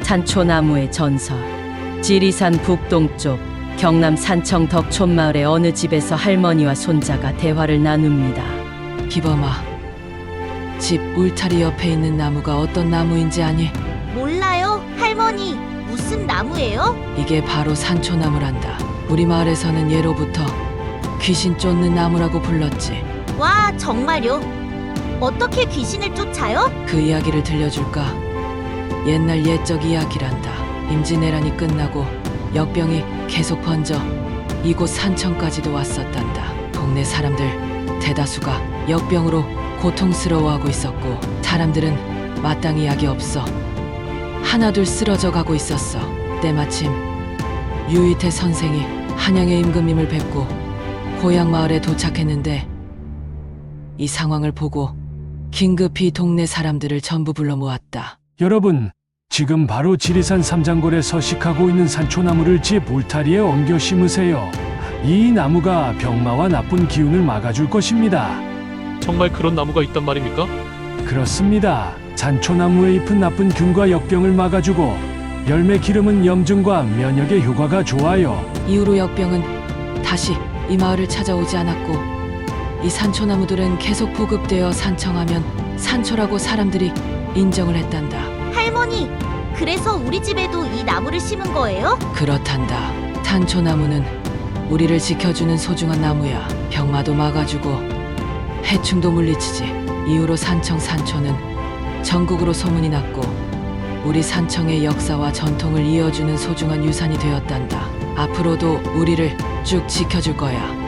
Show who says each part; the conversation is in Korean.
Speaker 1: 산초나무의 전설. 지리산 북동쪽 경남 산청 덕촌마을의 어느 집에서 할머니와 손자가 대화를 나눕니다.
Speaker 2: 기범아, 집 울타리 옆에 있는 나무가 어떤 나무인지 아니?
Speaker 3: 몰라요, 할머니. 무슨 나무예요?
Speaker 2: 이게 바로 산초나무란다. 우리 마을에서는 예로부터 귀신 쫓는 나무라고 불렀지.
Speaker 3: 와, 정말요? 어떻게 귀신을 쫓아요?
Speaker 2: 그 이야기를 들려줄까? 옛날 옛적 이야기란다. 임진왜란이 끝나고 역병이 계속 번져 이곳 산청까지도 왔었단다. 동네 사람들 대다수가 역병으로 고통스러워하고 있었고, 사람들은 마땅히 약이 없어 하나둘 쓰러져 가고 있었어. 때마침 유이태 선생이 한양의 임금님을 뵙고 고향 마을에 도착했는데, 이 상황을 보고 긴급히 동네 사람들을 전부 불러 모았다.
Speaker 4: 여러분, 지금 바로 지리산 삼장골에 서식하고 있는 산초나무를 집 울타리에 옮겨 심으세요. 이 나무가 병마와 나쁜 기운을 막아줄 것입니다.
Speaker 5: 정말 그런 나무가 있단 말입니까?
Speaker 4: 그렇습니다. 산초나무의 잎은 나쁜 균과 역병을 막아주고, 열매 기름은 염증과 면역에 효과가 좋아요.
Speaker 2: 이후로 역병은 다시 이 마을을 찾아오지 않았고, 이 산초나무들은 계속 보급되어 산청하면 산초라고 사람들이 인정을 했단다.
Speaker 3: 할머니, 그래서 우리 집에도 이 나무를 심은 거예요?
Speaker 2: 그렇단다. 산초나무는 우리를 지켜주는 소중한 나무야. 병마도 막아주고 해충도 물리치지. 이후로 산초는 전국으로 소문이 났고, 우리 산청의 역사와 전통을 이어주는 소중한 유산이 되었단다. 앞으로도 우리를 쭉 지켜줄 거야.